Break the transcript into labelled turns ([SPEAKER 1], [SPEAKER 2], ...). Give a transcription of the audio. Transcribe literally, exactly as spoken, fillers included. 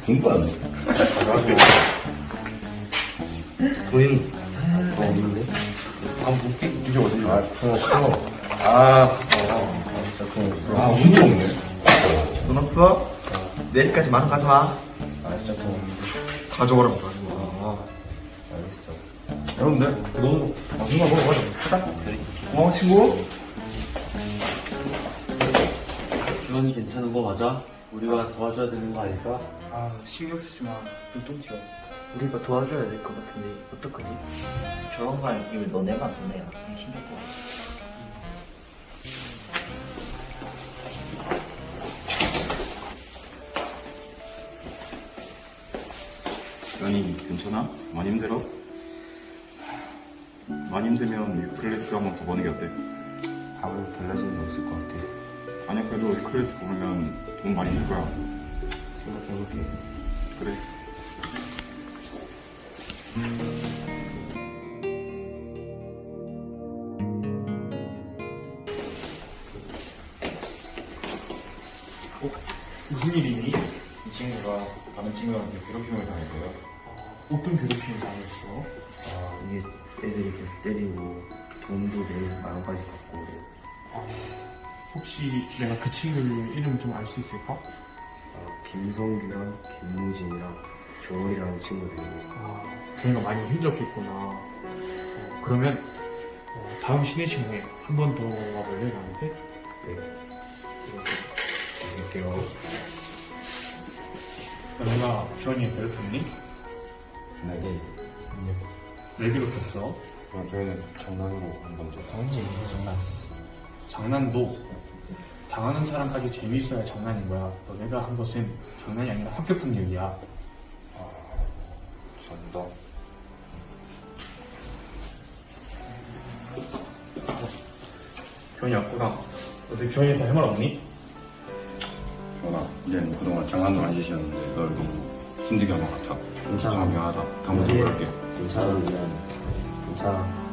[SPEAKER 1] 공부 안 해.
[SPEAKER 2] 가자고. 돈이 더 없는데? 아, 뭐, 이게 어디지? 아, 돈 없어. 아, 어, 아, 진짜 돈 없어.
[SPEAKER 1] 아, 운이 없네.
[SPEAKER 2] 돈 없어? 내일까지 만 원 가져와.
[SPEAKER 1] 아, 진짜 돈 없는데.
[SPEAKER 2] 가져오라고 가져와.
[SPEAKER 1] 알겠어.
[SPEAKER 2] 여러분들, 너도 맛있는 거 먹어가자. 가자. 고마워, 친구.
[SPEAKER 3] 주원이 괜찮은 거 맞아? 우리가 도와줘야 되는 거 아닐까?
[SPEAKER 4] 아 신경 쓰지 마. 눈좀 튀어.
[SPEAKER 5] 우리가 도와줘야 될 것 같은데 어떡하지?
[SPEAKER 6] 저런 거 하는 김에 너네만 돈내야 신경 꺼.
[SPEAKER 7] 연이 괜찮아? 많이 힘들어? 많이 힘들면 클래스 한 번 더 보는 게 어때?
[SPEAKER 1] 밥을 달라진 게 없을 것 같아.
[SPEAKER 7] 아니야 그래도 클래스 보면 돈 많이 들 거야.
[SPEAKER 1] 생각해볼게.
[SPEAKER 7] 그래.
[SPEAKER 4] 무슨 일이니?
[SPEAKER 7] 이 친구가 다른 친구한테 괴롭힘을 당했어요.
[SPEAKER 4] 어떤 괴롭힘을 당했어?
[SPEAKER 1] 아, 이게 애들이 계속 때리고, 돈도 내일 만 원까지 받고 그래.
[SPEAKER 4] 아, 혹시 내가 그 친구 이름 좀 알 수 있을까?
[SPEAKER 1] 아, 김성규랑 김무진이랑 조원이라는 친구들이.
[SPEAKER 4] 아, 걔가 많이 힘들었겠구나. 어, 그러면 어, 다음 쉬는 시간에 한 번 더 와볼래 나한테?
[SPEAKER 1] 네. 안녕하세요.
[SPEAKER 4] 너가 주원이 괴롭혔니?
[SPEAKER 1] 네. 네.
[SPEAKER 4] 왜 괴롭혔어?
[SPEAKER 7] 아, 저희는 장난으로 한 번 더.
[SPEAKER 4] 장난. 장난도 당하는 사람까지 재밌어야 장난인 거야. 너네가 한 것은 장난이 아니라 학교 폭력이야.
[SPEAKER 7] 죄송합니다.
[SPEAKER 4] 주원이 왔구나. 너네 주원이한테 할 말 없니?
[SPEAKER 7] 전아, 이제는 그동안 장난도 안 지시였는데 널 너무 힘들게 한 것 같아.
[SPEAKER 1] 괜찮아.
[SPEAKER 7] 미안하다. 다음부터
[SPEAKER 1] 네.
[SPEAKER 7] 그럴게.
[SPEAKER 1] 괜찮아, 미안. 괜찮아.